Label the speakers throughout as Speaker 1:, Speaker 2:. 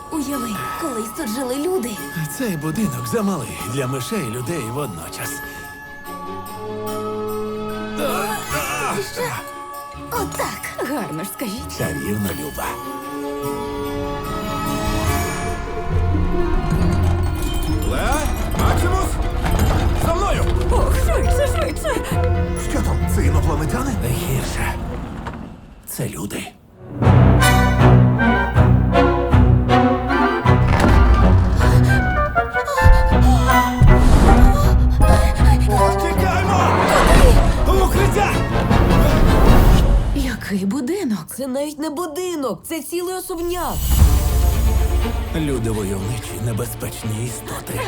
Speaker 1: Уяви, колись тут жили люди.
Speaker 2: Цей будинок замалий для мишей і людей водночас.
Speaker 1: Що? Отак. Гарно ж скажіть.
Speaker 2: Чарівно, Люба. Леа, Максимус! За мною!
Speaker 1: Ох, швидше, швидше.
Speaker 3: Що там? Це інопланетяни?
Speaker 2: Не гірше. Це люди. Тікаймо! В укриття!
Speaker 1: Який будинок? Це навіть не будинок, це цілий особняк.
Speaker 2: Люди войовничі, небезпечні істоти.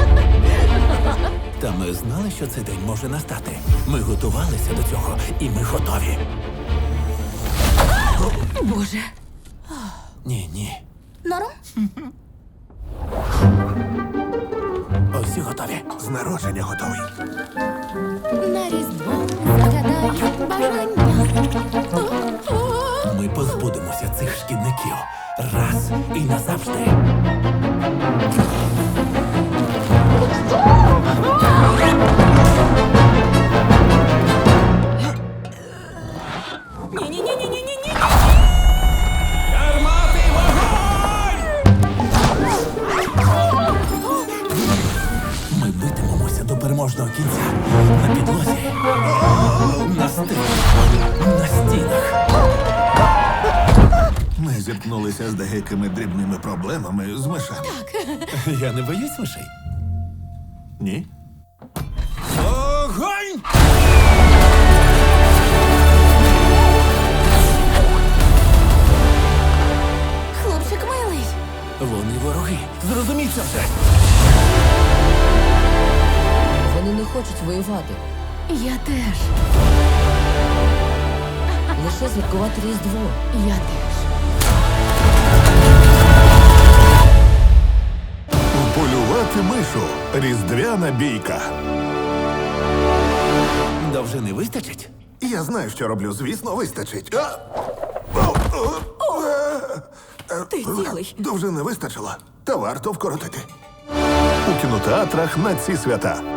Speaker 2: Та ми знали, що цей день може настати. Ми готувалися до цього, і ми готові.
Speaker 1: Боже.
Speaker 2: Ні.
Speaker 1: Норм?
Speaker 2: Усі готові.
Speaker 3: З народження готовий.
Speaker 1: На різдво загадаю бажання.
Speaker 2: Ми позбудемося цих шкідників раз і назавжди.
Speaker 1: Ні-ні-ні-ні-ні-ні.
Speaker 2: Гармати, вогонь! Ми битимемося до переможного кінця. На підлозі, на стелі, на стінах.
Speaker 3: Ми зіткнулися з деякими дрібними проблемами з мишами.
Speaker 2: Я не боюсь мишей.
Speaker 3: Ні?
Speaker 2: Огонь!
Speaker 1: Хлопчик милий.
Speaker 2: Вони вороги. Зрозумій це вже.
Speaker 4: Вони не хочуть воювати.
Speaker 1: Я теж.
Speaker 4: Лише святкувати Різдво.
Speaker 1: Я теж.
Speaker 3: Полювати мишу. Різдвяна бійка.
Speaker 2: Довжини вистачить?
Speaker 3: Я знаю, що роблю. Звісно, вистачить.
Speaker 1: Ти цілий.
Speaker 3: Довжини вистачило. Та варто вкоротити. У кінотеатрах на ці свята.